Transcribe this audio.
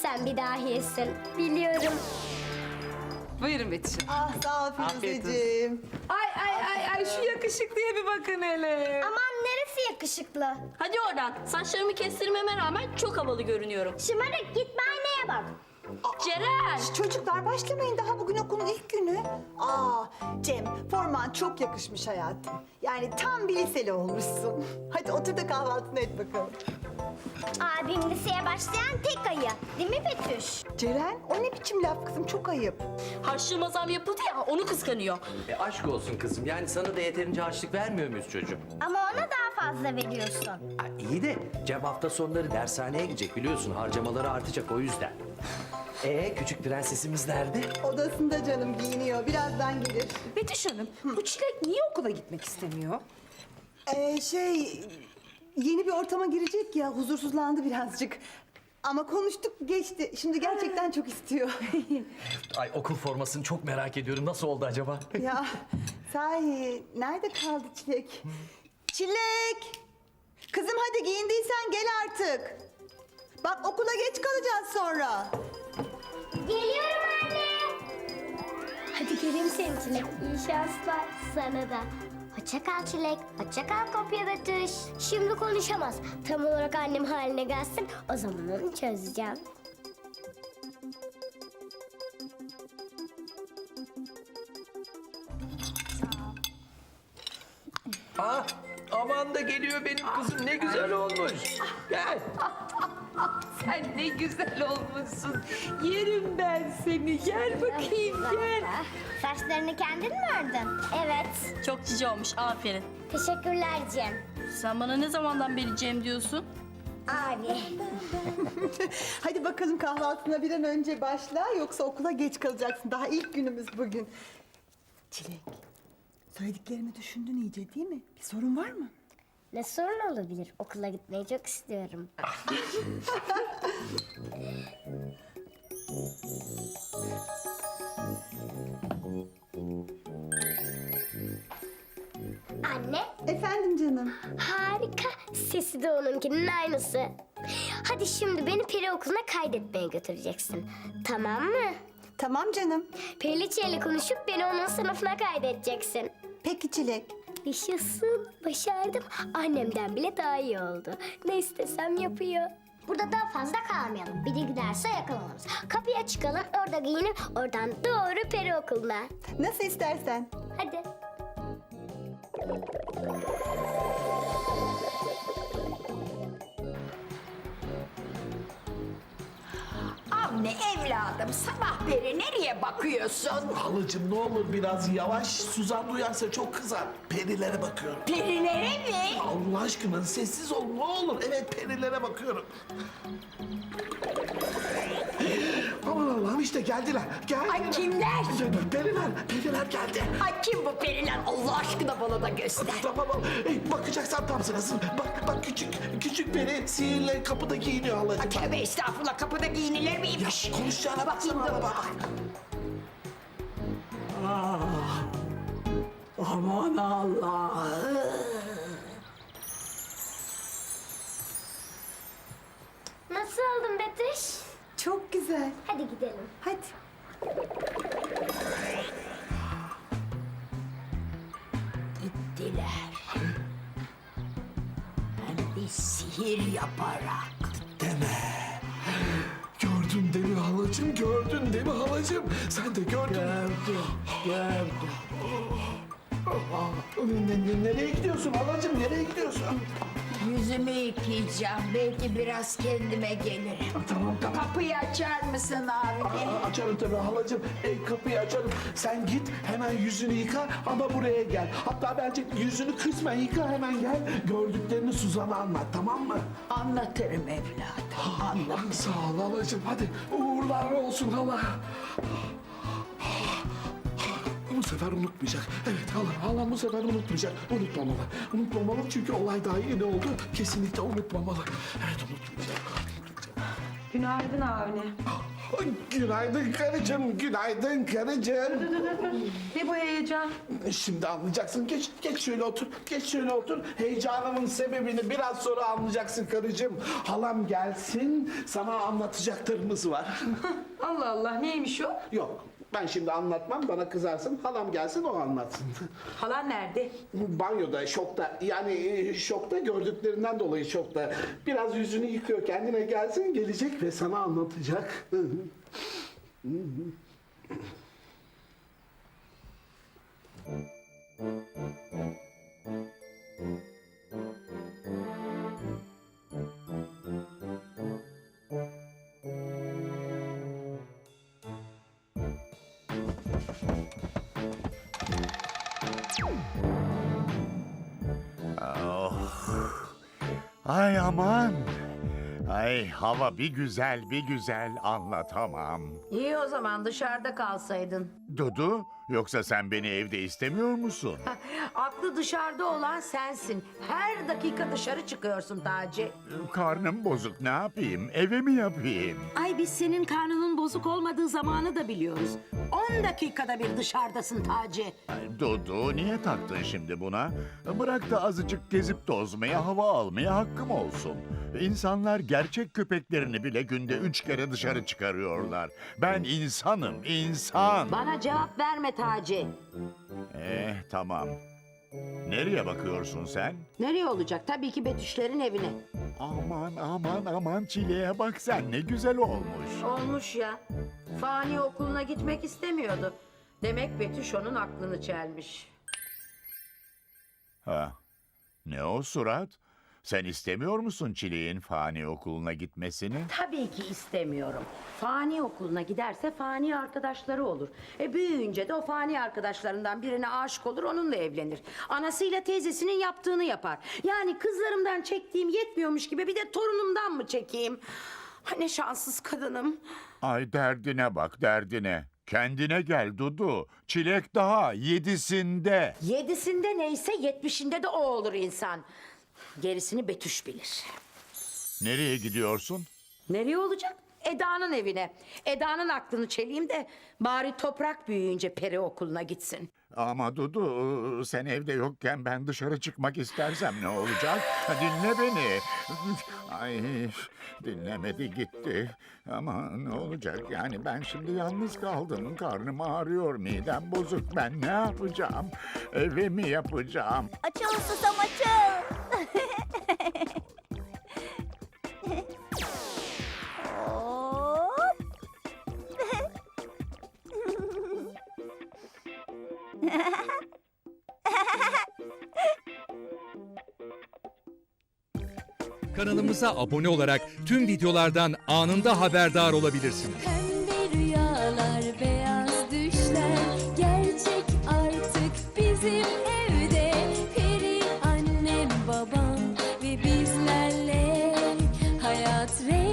Sen bir dahiyesin. Biliyorum. Buyurun Betüş. Ah sağ ol Afiyet Firuzeciğim. Ay şu yakışıklıya bir bakın hele. Aman neresi yakışıklı? Hadi oradan. Saçlarımı kestirmeme rağmen çok havalı görünüyorum. Şımarık git aynaya bak. Ceren! Çocuklar başlamayın, daha bugün okulun ilk günü. Cem, forman çok yakışmış hayatım. Yani tam bir liseli olmuşsun. Hadi otur da kahvaltını et bakalım. Abim liseye başlayan tek ayı. Değil mi Betüş? Ceren, o ne biçim laf kızım, çok ayıp. Harçlığıma zam yapıldı ya, onu kıskanıyor. Aşk olsun kızım. Yani sana da yeterince harçlık vermiyor muyuz çocuğum? Ama ona daha fazla veriyorsun. İyi de Cem hafta sonları dershaneye gidecek biliyorsun. Harcamaları artacak o yüzden. Küçük prensesimiz nerede? Odasında canım, giyiniyor. Birazdan gelir. Betüş Hanım, bu Çilek niye okula gitmek istemiyor? Yeni bir ortama girecek ya, huzursuzlandı birazcık. Ama konuştuk, geçti. Şimdi gerçekten çok istiyor. Ay okul formasını çok merak ediyorum. Nasıl oldu acaba? Ya sahi, nerede kaldı Çilek? Çilek! Kızım hadi giyindiysen gel artık. Bak okula geç kalacağız sonra. Geliyorum anne. Hadi geleyim senin Çilek. İyi şanslar sana da. Hoşça kal Çilek. Hoşça kal kopya Betüş. Şimdi konuşamaz. Tam olarak annem haline gelsin. O zaman onu çözeceğim. Aman da geliyor benim kızım. Ne güzel olmuş. Gel. Sen ne güzel olmuşsun. Yerim ben seni. Gel bakayım gel. Saçlarını kendin mi ördün? Evet. Çok cici olmuş, aferin. Teşekkürler Cem. Sen bana ne zamandan beri Cem diyorsun? Abi. Hadi bakalım kahvaltına bir an önce başla, yoksa okula geç kalacaksın. Daha ilk günümüz bugün. Çilek, söylediklerimi düşündün iyice değil mi? Bir sorun var mı? Ne sorun olabilir? Okula gitmeyi çok istiyorum. Anne, Efendim canım. harika. Sesi de onunkinin aynısı. Hadi şimdi beni peri okuluna kaydetmeye götüreceksin. Tamam mı? Tamam canım. Periliçe ile konuşup beni onun sınıfına kaydedeceksin. Peki Çilek. Yaşasın, başardım. Annemden bile daha iyi oldu. Ne istesem yapıyor. Burada daha fazla kalmayalım. Biri giderse yakalanırız. Kapıya çıkalım, orada giyinip oradan doğru peri okuluna. Nasıl istersen. Hadi. Avni evladım sabah beri nereye bakıyorsun? Halacığım ne olur biraz yavaş. Suzan duyarsa çok kızar. Perilere bakıyorum. Perilere mi? Allah aşkına sessiz ol ne olur. Evet perilere bakıyorum. Aman Allah'ım işte geldiler. Geldiler. Ay, kimler? Periler geldi. Ay kim bu periler? Allah aşkına bana da göster. Tamam. Bakacaksan tam sırası. Bak küçük peri sihirle kapıda giyiniyor halacığım. Tövbe estağfurullah kapıda giyinilir miymiş? Konuşacağına Bakayım baksana. dur bak. Aman Allah. Nasıl oldun Betüş? Çok güzel. Hadi gidelim. Hadi. Gittiler. Hem de sihir yaparak. Deme. Gördün değil mi halacığım? Gördün değil mi halacığım? Sen de gördün. Gördüm. Nereye gidiyorsun halacığım? Nereye gidiyorsun? Yüzümü yıkayacağım. Belki biraz kendime gelirim. Tamam. Kapıyı açar mısın abi? Açarım tabii halacığım. Kapıyı açarım. Sen git hemen yüzünü yıka ama buraya gel. Hatta bence yüzünü kısmen yıka hemen gel. Gördüklerini Suzan'a anlat tamam mı? Anlatırım evladım. Anlatırım. Sağ ol halacığım. Hadi uğurlar olsun hala. Bu sefer unutmayacak. Evet halam bu sefer unutmayacak. Unutmamalı çünkü olay daha yeni oldu. Kesinlikle unutmamalı. Evet unutmayacak. Günaydın Avni. Günaydın karıcığım, günaydın karıcığım. Ne bu heyecan? Şimdi anlayacaksın. Geç şöyle otur. Geç şöyle otur. Heyecanımın sebebini biraz sonra anlayacaksın karıcığım. Halam gelsin, sana anlatacaklarımız var. Allah Allah, neymiş o? Yok, ben şimdi anlatmam, bana kızarsın. Halam gelsin, o anlatsın. Halan nerede? Banyoda, şokta. Yani şokta, gördüklerinden dolayı şokta. Biraz yüzünü yıkıyor, kendine gelsin, gelecek ve sana anlatacak. Ay aman. Ay hava bir güzel anlatamam. İyi o zaman dışarıda kalsaydın. Dudu, yoksa sen beni evde istemiyor musun? Aklı dışarıda olan sensin. Her dakika dışarı çıkıyorsun Taci. Karnım bozuk, ne yapayım? Eve mi yapayım? Ay biz senin karnının bozuk olmadığı zamanı da biliyoruz. 10 dakikada bir dışarıdasın Taci. Ay, Dudu, niye taktın şimdi buna? Bırak da azıcık gezip tozmaya, hava almaya hakkım olsun. İnsanlar gerçek köpeklerini bile günde 3 kere dışarı çıkarıyorlar. Ben insanım, insan. Bana cevap verme Taci. Tamam. Nereye bakıyorsun sen? Nereye olacak? Tabii ki Betüşlerin evine. Aman Çile'ye bak sen, ne güzel olmuş. Olmuş ya. Fani okuluna gitmek istemiyordu. Demek Betüş onun aklını çelmiş. Ha, ne o surat? Sen istemiyor musun Çileğin Fani okuluna gitmesini? Tabii ki istemiyorum. Fani okuluna giderse fani arkadaşları olur. Büyüyünce de o fani arkadaşlarından birine aşık olur, onunla evlenir. Anasıyla teyzesinin yaptığını yapar. Yani kızlarımdan çektiğim yetmiyormuş gibi bir de torunumdan mı çekeyim? Ha, ne şanssız kadınım. Ay derdine bak derdine. Kendine gel Dudu. Çilek daha 7'sinde. 7'sinde neyse 70'inde de o olur insan. Gerisini Betüş bilir. Nereye gidiyorsun? Nereye olacak? Eda'nın evine. Eda'nın aklını çeleyim de bari Toprak büyüyünce peri okuluna gitsin. Ama Dudu, sen evde yokken ben dışarı çıkmak istersem ne olacak? Dinle beni. Ay, dinlemedi gitti. Ama ne olacak yani, ben şimdi yalnız kaldım. Karnım ağrıyor, midem bozuk. Ben ne yapacağım? Eve mi yapacağım? Açıl susam açıl. Hop. Kanalımıza abone olarak tüm videolardan anında haberdar olabilirsiniz. Pembe rüyalar, beyaz düşler gerçek artık bizim evde. Peri annem, babam ve bizlerle hayat rengi